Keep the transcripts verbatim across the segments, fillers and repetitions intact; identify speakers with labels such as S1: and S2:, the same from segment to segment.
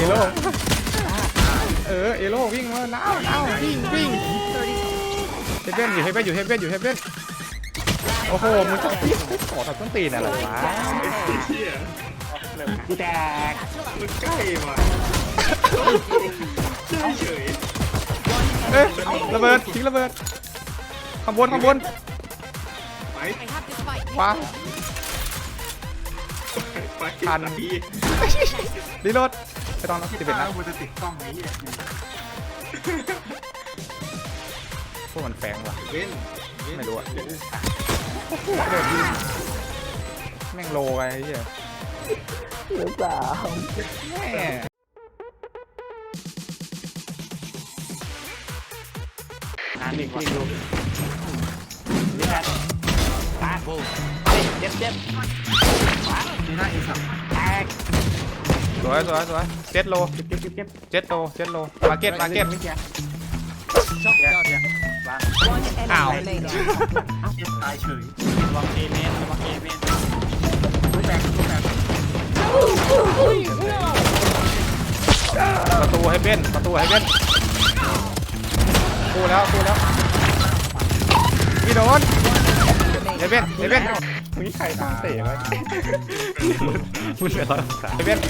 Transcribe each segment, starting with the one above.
S1: โร่เออเอโร่วิ่งมาน้าวน้าววิ่งวิ่งเฮเบนอยู่เฮเบนอยู่เฮเบนอยู่เฮเบนโอ้โหมึงจะขอทับต้นตีนอะไรวะ
S2: กูแตก
S3: มันใกล้ว่ะเฉย
S1: เอ๊ะระเบิดทิ้งระเบิดข้างบนข้างบน
S3: ไป
S1: ว้า
S3: ไปทันที
S1: รีโหลดไปตอนรับสิบเอ็ดนะ
S2: มันจะติดกล้องไหมเนี่ย
S1: พวกมันแฝงว่ะ
S3: เว้น
S1: ไม่รู้อะแม่งโลไงไอ้เหี้ย
S2: หรือเปล่า
S1: แม่
S2: งานอีกทีดูนี่แหละตาเจ็บเจ็บนี่น่าอีสับแตก
S1: สวยสวยสวยเจ็ดโล
S2: เจ็บเจ็บเจ็บเจ็บ
S1: เจ็ดโลเจ็ดโลมาเก็ตมาเก็ต
S2: ชอบเดี๋ยววาง
S1: อ้าว
S2: เจ็บตายเฉยวางเอเมนวางเอเมนไม่แตกไม่แตก
S1: ประตูให้เบ้นประตูให้เบ้นกูแล้วกูแล้วพี่โดนเฮเบ้นเฮเบ้นมึงใครตั้งเตะไว้มึงเป็นร้อยองศาเฮเบ้น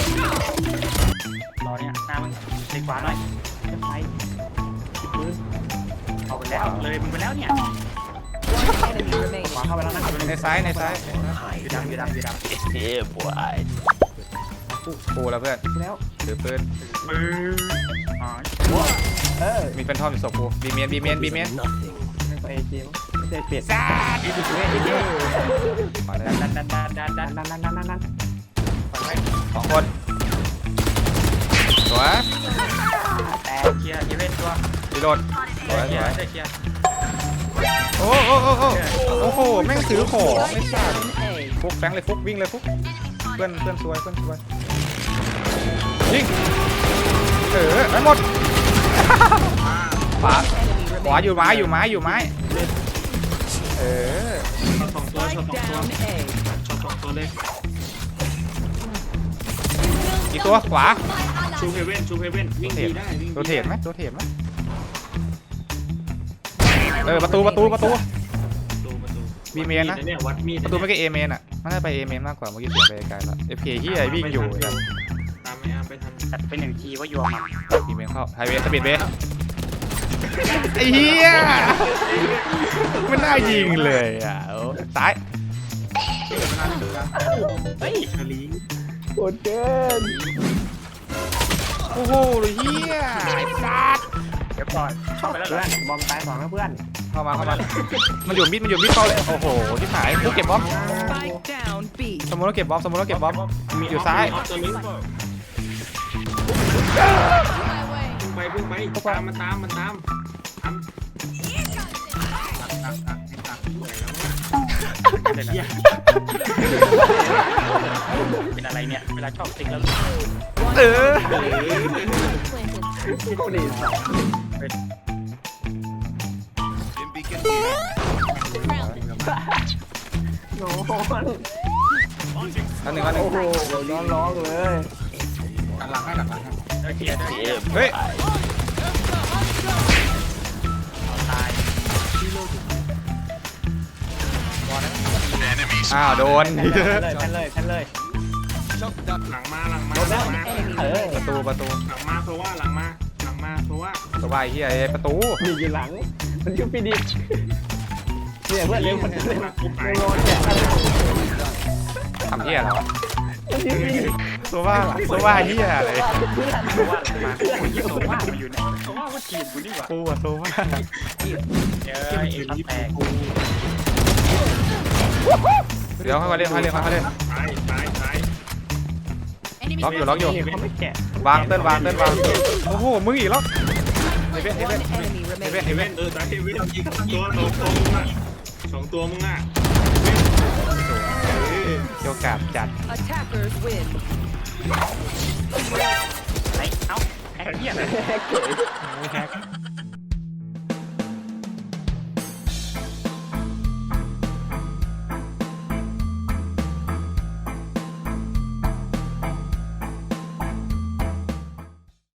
S2: รอเนี่ยหน้ามึงเล็กกว่าหน่อยเจ็บไปปืนเอาไปแล้วเลยมึงไปแล้วเนี่ยขวาเข้าไปแล้วนะ
S1: ในซ้ายในซ้าย
S2: ยืดดำยืดดำยืดดำเฮ้ยบวย
S1: กูแล้วเพื่อน
S2: แล้ว
S1: ถือปืน
S2: มืออ๋อเออ
S1: มีเป็นท่อมอยู่ศพกูบีเมียนบีเมียนบีเมียน
S2: ไม่ไปเกมไม่ได้เปลี่ยนซ่าดีดีเลยดีดี
S1: มาเลย
S2: ดันดันดันดันดันดันดันดันดันดันฝั่งไหน
S1: สองคนสวย
S2: แต่เคลียร์เอเวนตัว
S1: รีโหลดสวย
S2: เคลี
S1: ส
S2: ยร์
S1: วย
S2: ได้เคลียร์
S1: โอ้โอ้โอ้โอ้โอ้โหแม่งถือของไม่ทราบฟุกแฟงเลยฟุกวิ่งเลยฟุกเพื่อนเพื่อนสวยเพื่อนสวยยิงเออไปหมดขวาขวาอยู่ไม้อยู่ไม้อยู่ไม้เออ
S3: ช็อตสองตัวช็อตสองตัวช็อตสองตัวเลย
S1: อีกตัวขวา
S3: ชูเฮเว่นชูเฮเว่นวิ่งดีได้วิ่ง
S1: ตัวเทปไหมตัวเทปไหมเออประตูประตูประตู
S3: ประตูประตู
S1: บีเมนนะ
S3: เนี่ยวัดมีด
S1: ประตูไม่ใช่เอเมนอ่ะมันน่าไปเอเมนมากกว่าเมื่อกี้เสียไปไกลแล้วเอฟเคที่ไอวิ่งอยู่กัน
S3: ตามไม่อาไปทัน
S2: จัดเป็นหนึ่งทีว่ายัวมัน
S1: บีเมนเข้าไฮเวย์สปีดเวย์ไอ้เหี้ยมันน่ายิงเลยอ่ะซ้าย
S2: เฮ้ย
S3: คาลี
S2: โคตรเกิน
S1: โอ้โหเหี้ยไอ้สัส
S2: เดี๋ยวก่อนเข้าไปแล้วเพื่อนบอมตายสองนะเพื่อน
S1: เข้ามาเข้ามามันอยู่มิดมันอยู่มิดเข้าเลยโอ้โหที่หายกูเก็บบอม
S4: Spike down B.
S1: สมมติเราเก็บบอมสมมติเราเก็บบอมอยู่ซ้าย
S3: ตัวนี้พุ่งไปพุ่งไปตามมันตามมันตามตามตักตักตักตักสวยแล้ว
S2: เป็นเป็นอะไรเนี่ยเวลาชอบติ๊กแล้ว
S1: เออ
S2: โคตรดีโอ้โห
S1: อันหนึ่งอันหนึ่ง
S2: โอ้โหร้องร้องเลยหลังให้หลังให้เคลียร์ได้
S1: เฮ้ย
S2: ตาย
S1: อ้าวโดน
S2: แพ้เลยแพ้เลยแพ้เลย
S3: หลังมาหลังมาหลังมา
S2: เออ
S1: ประตูประตู
S3: หลังมาเพราะว่าหลังมาหลังมาเพราะว่า
S1: สบายเฮียไอ้ประตู
S2: มีอยู่หลังมันชื่อปีดิเนี่ยเพื่อนเร็วคนเร็วเร็วรอแจก
S1: ทำเฮียเหรอ
S2: มันชื่อปีดิ
S1: ตัวว่าตัวว่าเฮียอะไร
S2: เพื่อนว่ามาคนที่ตัวว่ามาอยู่ไหนตัวว่าว่าทีมกูนี่หว่า
S1: กูอะตัวว่า
S2: เออเอ็นแตก
S1: เดี๋ยวค่อยๆเล่นค่อยๆเล่นค่อยๆเล่น
S3: ตายตายตาย
S1: ล็อกอยู่ล็อกอยู่
S2: เขาไม่แกะ
S1: วางเต้นวางเต้นวางโอ้โหมึงอีกแล้วเฮเว่นเฮเว่น
S4: One enemy
S1: เฮเว่น
S4: remaining.
S1: เฮ
S3: เฮ
S1: เว่
S3: เว่
S1: น
S3: นเออตายเฮเว่นยิงตัวสองตัวมึงอ่ะสองตัวมึงอ่ะ
S1: โยกาบจัด
S4: Attackers win.
S2: ไหนเอ้าแฮกเหี้ยแฮกเก๋